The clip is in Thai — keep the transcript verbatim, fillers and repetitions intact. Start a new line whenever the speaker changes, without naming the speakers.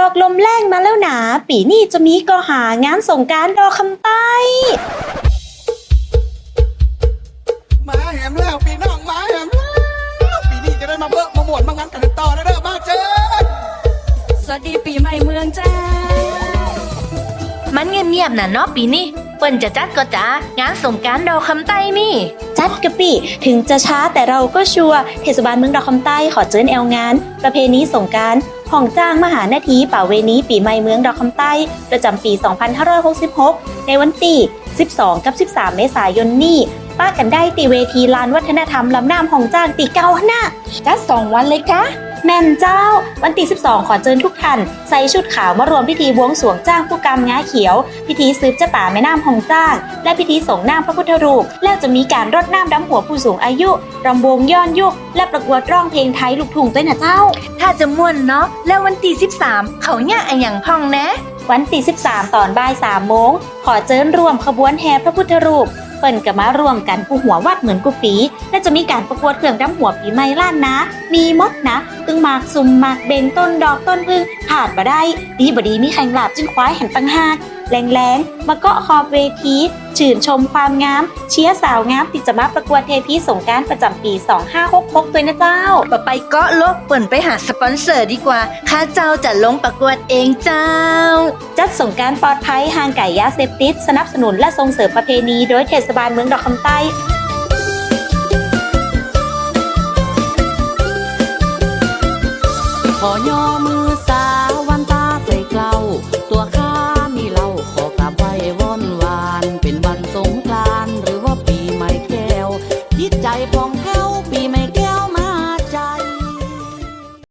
อกลมแรงมาแล้วหนาปีนี้จะมีก็หางานสงกรานต์ดอกคำใต้
มาแหมแล้วปีน้องมาแหมแล้วปีนี้จะได้มาเบิ่มมาหมวนมางานกันต่อนะเด้อมาเจอ
สวัสดีปีใหม่เมืองจ้า
มันเงียบๆน่ะเนาะปีนี้เปิ้นจะจัดก็จ้างานสงกรานต์ดอกคำใต้นี่
จัดกะปิถึงจะช้าแต่เราก็ชัวร์เทศบาลเมืองดอกคำใต้ขอเจิญแอลงาน ประเพณีสงกรานต์ของจ้างมหานาทีป่าเวณีปีใหม่เมืองดอกคำใต้ประจำปี สองพันห้าร้อยหกสิบหก ในวันที่ สิบสอง กับ สิบสาม เมษายนนี้ป้ากันได้ตีเวทีลานวัฒนธรรมลำน้ำของจ้างตีเก้าหน้าจัดสองวันเลยกะแม่นเจ้าวันที่สิบสองขอเชิญทุกท่านใส่ชุดขาวมารวมพิธีบวงสรวงจ้างผู้กำง้าเขียวพิธีซืบเจ้าป่าแม่น้ำหองจ้างและพิธีส่งน้ำพระพุทธรูปแล้วจะมีการรดน้ำดำหัวผู้สูงอายุรำวงย้อนยุคและประกวดร้องเพลงไทยลูกทุ่งด้วยนะเจ้า
ถ้าจะม่วนเนาะแล้ววันที่สิบสามเขาเนี่ยอะหยังพ่องนะ
วันที่สิบสามตอนบ่ายสามโมงขอเชิญร่วมขบวนแห่พระพุทธรูปเปิ่นกับมารวมกันกูหัววัดเหมือนกูปีและจะมีการประกวดเครื่องดำหัวปีใหม่ล้านนะมีมดนะตึงหมากซุ่มหมากเบงต้นดอกต้นพึ่งขาดมาได้ดีบดีมีแข่งหลาบจึงคว้าแห่งปังหากแรงๆมาเกาะขอบเวทีชื่นชมความงามเชียร์สาวงามที่จะมาประกวดเทพีสงกรานต์ประจำปีสองพันห้าร้อยหกสิบหกด้วยนะเจ้า
ปะไปเกาะลบเปิ่นไปหาสปอนเซอร์ดีกว่าข้าเจ้าจะลงประกวดเองเจ้า
จัดสงกรานต์ปลอดภัยห่างไก่ยาเสพติดสนับสนุนและส่งเสริมประเพณีโดยเทศบาลเมืองดอกคำใต้
ขอย่อมือ